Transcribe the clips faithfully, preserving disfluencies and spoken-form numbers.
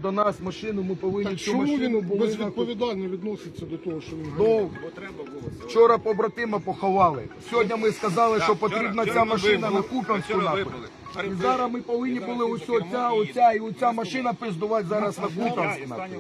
до нас машину, ми повинні Так цю чому машину... він повинна- безвідповідально відноситься до того, що він Ну, ганяє? вчора побратима поховали. Сьогодні ми сказали, що потрібна ця машина на Куп'янську нахуй. І зараз ми повинні були ось оця, оця і оця машина пиздувати зараз на Куп'янську нахуй.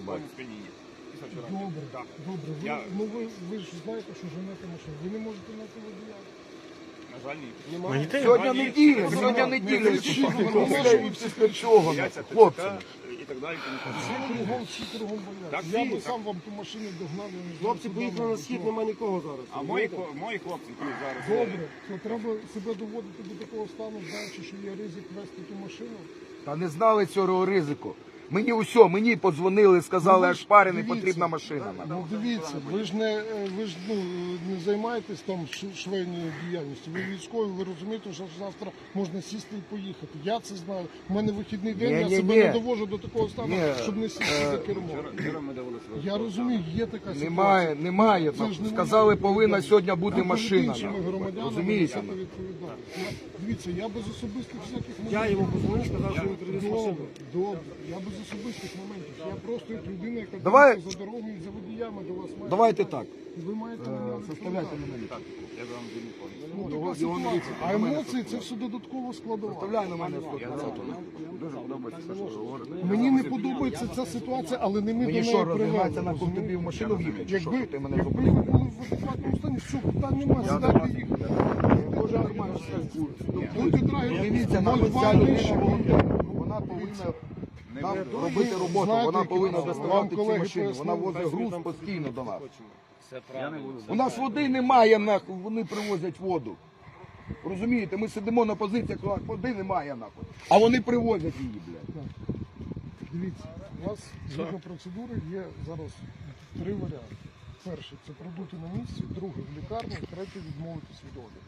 Добре, добре. Ви, ну ви, ви ж знаєте, що женете машину. Ви не можете на це водія. На жаль, ні. Сьогодні неділя, сьогодні неділя. Після чого, хлопці? І так далі. Всі кругом, всі кругом бояться. Так, Я всі, би сам вам ту машину догнав. я не знаю, Хлопці куди поїхали вам на схід, було. нема нікого зараз. А мої, хло- мої хлопці тут зараз. Добре, то треба себе доводити до такого стану, знаючи, що є ризик вести ту машину. Та не знали цього ризику. Мені усе, мені подзвонили, сказали, аж парений, Дивіться. потрібна машина. Ну дивіться, ви ж не е, ви ж ну не займаєтесь там ш- швейною діяльністю. Ви військові, ви розумієте, що завтра можна сісти і поїхати. Я це знаю. У мене вихідний день, Ні, я ні, себе ні. не довожу до такого стану, Ні, щоб не сісти за кермо. Вчора ми дивилися. Я розумію, є така ситуація. Немає, немає. Це ж не Сказали, моя повинна сьогодні бути Перед машина. іншими нахуй. громадянами Розумієте? несете відповідальність. Я- Дивіться, я без особистих всяких моментів. Я йому позвонив, сказав, що він привіз Добре, машину. добре. Я без особистих моментів. Я просто як людина, яка Давай- дивиться за дорогою і за водіями до вас має. Давайте так. І ви маєте мене Составляйте відповідати. на мене. Я вам телефон. Ну, Його- така його ситуація. міліція, А до мене емоції це все додатково складова. Вставляй на мене сто двадцять. Дуже подобається, що ви говорите. Мені не подобається ця ситуація, але не ми до Мені неї що, розігнатися привели. на ком тобі в машину в'їхати? Чи що, Якби, що ти мене якби ви зупинив? були в адекватному стані, все, питань немає, сідайте і їхати. Може, нормально все в курсі. Будьте драги, Дивіться, нам ноль два ця людина нижче. волонтер. Вона повинна нам робити роботу, Знаєте, вона які повинна вам доставати ці колеги машини. Вона пояснили? возить груз постійно до нас. Все правильно. У нас води немає, нахуй, вони привозять воду. Розумієте, ми сидимо на позиціях, а води немає, нахуй. А вони привозять її, блядь. Дивіться, у вас згідно процедури є зараз три варіанти. Перший це продути на місці, другий в лікарні, третій відмовитись від огляду.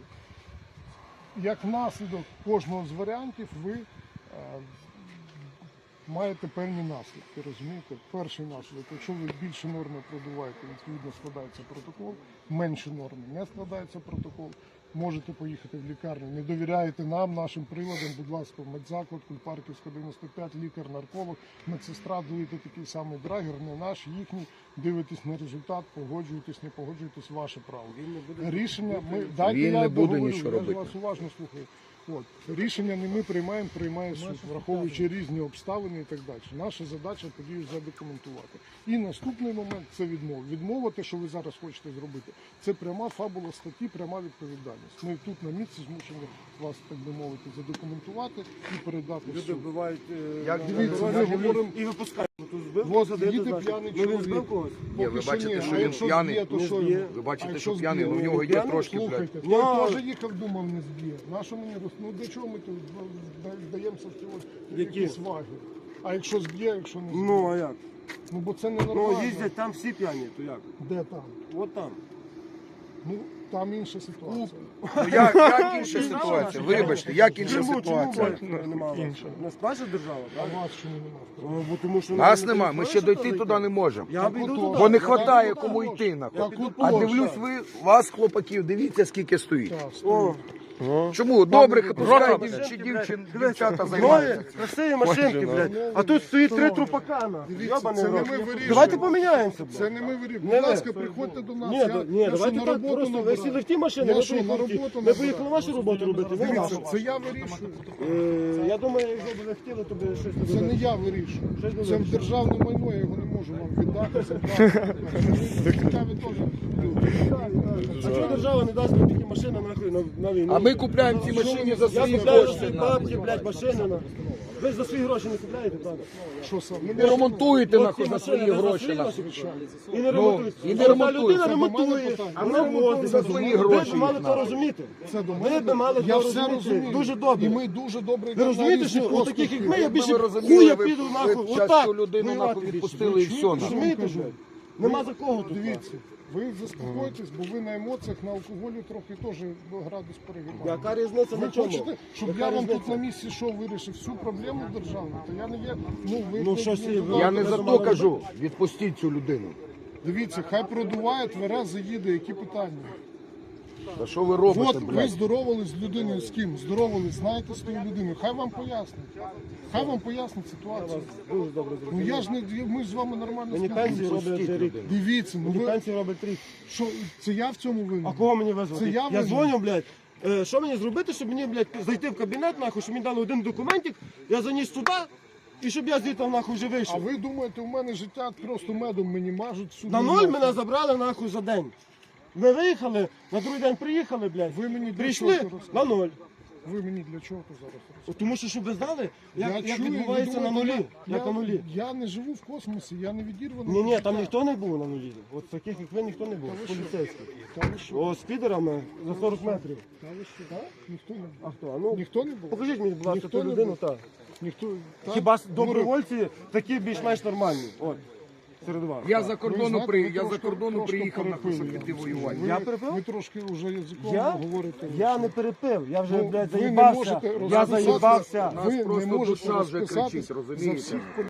Як наслідок кожного з варіантів ви е, маєте певні наслідки, розумієте? Перший наслідок, якщо ви більше норми продуваєте, відповідно складається протокол, менше норми не складається протокол, можете поїхати в лікарню, не довіряєте нам, нашим приладам, будь ласка, в медзаклад, Кульпарківська дев'яносто п'ять, лікар, нарколог, медсестра, дуєте такий самий драгер, не наш, їхній, дивитесь на результат, погоджуєтесь, не погоджуєтесь, ваше право. Рішення, ми, дайте Він я не буде договорю, нічого я ж робити. вас уважно слухаю. От. Рішення не ми приймаємо, приймає суд, враховуючи різні обставини і так далі. Наша задача подію задокументувати. І наступний момент це відмова. Відмова, те, що ви зараз хочете зробити, це пряма фабула статті, пряма відповідальність. Ми тут на місці змушені вас, так би мовити, задокументувати і передати в Люди суд. вбивають е, Як на дивіться, дорозі, ми говоримо говоримо- і випускають. Тут збив, Вот, садити, їде значить. п'яний Ну, він чоловік. збив когось? Ні, ви Поки що бачите, ні. що А він якщо п'яний? зб'є, то Не що зб'є. йому? Ви бачите, А що якщо п'яний, зб'є? ну в нього є П'яний? трошки, блядь. Слухайте, Ну, той теж їхав, думав, не зб'є. На що мені роз... Ну для чого ми тут вдаємося в ці ось Які? якісь ваги? А якщо зб'є, якщо не зб'є? Ну, а як? Ну бо це ненормально. Ну, їздять там всі п'яні, то як? Де там? От там. Ну там інша ситуація. Ну, як, як інша ситуація? Вибачте, як інша Чому, чому ситуація? блядь, немає вас? Не справжня держава, А так? вас чому немає? Ну, бо тому що Нас не нема, ми ще дойти туди не можемо. Я б йду туди. Бо не Я вистачає піду туди. кому йти, нахуй. Так, от А точно. дивлюсь, ви, вас, хлопаків, дивіться, скільки стоїть. Так, О, стоїть. Чому? Добре, пускай Рота, дівчі, блядь. дівчин, дівчата Нові, займаються. красиві машинки, блядь. А тут стоїть три трупакана. Дивіться, Йобаний це не рот. ми вирішуємо. Давайте поміняємося, блядь. Це не ми вирішуємо. Не Будь ви. ласка, приходьте до нас. Ні, я, да- ні, я що, давайте на так, роботу просто ви набираю? сіли в ті машини, Я ми що, на поїхали, роботу ми набираю? поїхали вашу роботу робити, ви Дивіться, нашу. це я вирішую. Е, Я думаю, якщо б ви хотіли, то би щось Це туди. не я вирішую. Щось буде Це вирішувати. державне майно, я його не можу вам віддати. Це правда. Цікаві теж люди. А чого держава не дасть мені такі машини нахуй на, на війну? А ми купляємо ці машини за Я свої купляю за кошти. свої бабки, блядь, машини. на. Ви ж за свої гроші не купляєте, правда? Що саме? Ви ремонтуєте, От нахуй, ці за машини свої ви за гроші, свої нахуй. гроші І не ремонтують. і не А ремонтують. людина Це до мене ремонтує, питання. а вона возить. за свої Ви гроші б мали їх то надо. розуміти. Це до Ви мене. б мали Я то все розуміти. розумію. Дуже добре. І ми дуже добре Ви йдемо на розумієте, різні що от таких, як ми, я Якби більше ви розуміли, хуя ви- піду ви нахуй. б Отак. часто людину, воювати нахуй, більше. відпустили і все, нахуй. Розумієте, Кажу. блядь? Нема за кого тут. Дивіться, ви заспокойтесь, бо ви на емоціях, на алкоголі трохи теж градус перегибаєте. Яка різниця Ви на чому? хочете, щоб Яка я вам різниця? тут на місці що вирішив всю проблему державну, то я не є. Ну ви Ну, ви- щось ви- і ви- Я не за то кажу, відпустіть цю людину. Дивіться, хай продуває, тверезо заїде, які питання. Та що ви робите, От ви блядь? здоровались з людиною з ким? Здоровались, знаєте з тою людиною. Хай вам пояснить. Хай вам пояснить ситуацію. Дуже добре Ну зрозумів. я ж не ми ж з вами нормально Мені пенсію спілкуємося. роблять вже рік. Дивіться, ну Мені ви пенсію роблять рік. що це я в цьому винен? А кого мені визвати? Це я Я винен. дзвоню, блядь. Е, Що мені зробити, щоб мені, блядь, зайти в кабінет, нахуй, щоб мені дали один документик, я заніс туди, і щоб я звідти, нахуй, вже А вийшов. ви думаєте, у мене життя просто медом мені мажуть сюди? На ноль мене забрали, нахуй, за день. Ми виїхали, на другий день приїхали, блядь. Ви мені для Прийшли чого це на ноль. Ви мені для чого то зараз розказуєте? От Тому що, щоб ви знали, як, Я як чую, відбувається ви на думаєте, нулі. я- Як на нулі. Я не живу в космосі, я не відірваний. Ні, від ні, там життя. ніхто не був на нулі. От таких, як ви, ніхто не був. Та ви що? Поліцейських. Та ви що? О, з підерами за сорок метрів. Та ви що? Так? Ніхто не був. А хто? А ну, Ніхто не був? покажіть мені, будь ласка, Ніхто ту не людину, був. так. Ніхто. так? Хіба ж Ну, добровольці такі більш-менш нормальні? От, серед вас. Я за Ви кордону знаєте, при ви я за трошки- кордону трошки приїхав на перепили. щоб піти воювати. Ви, Я перепив? ви трошки вже язиком Я? говорите. Я не перепив, я вже, Ну, блядь, ви не заїбався. можете Я розписати- заїбався. Нас Ви не просто можете душа вже розписати кричить, за розумієте? всіх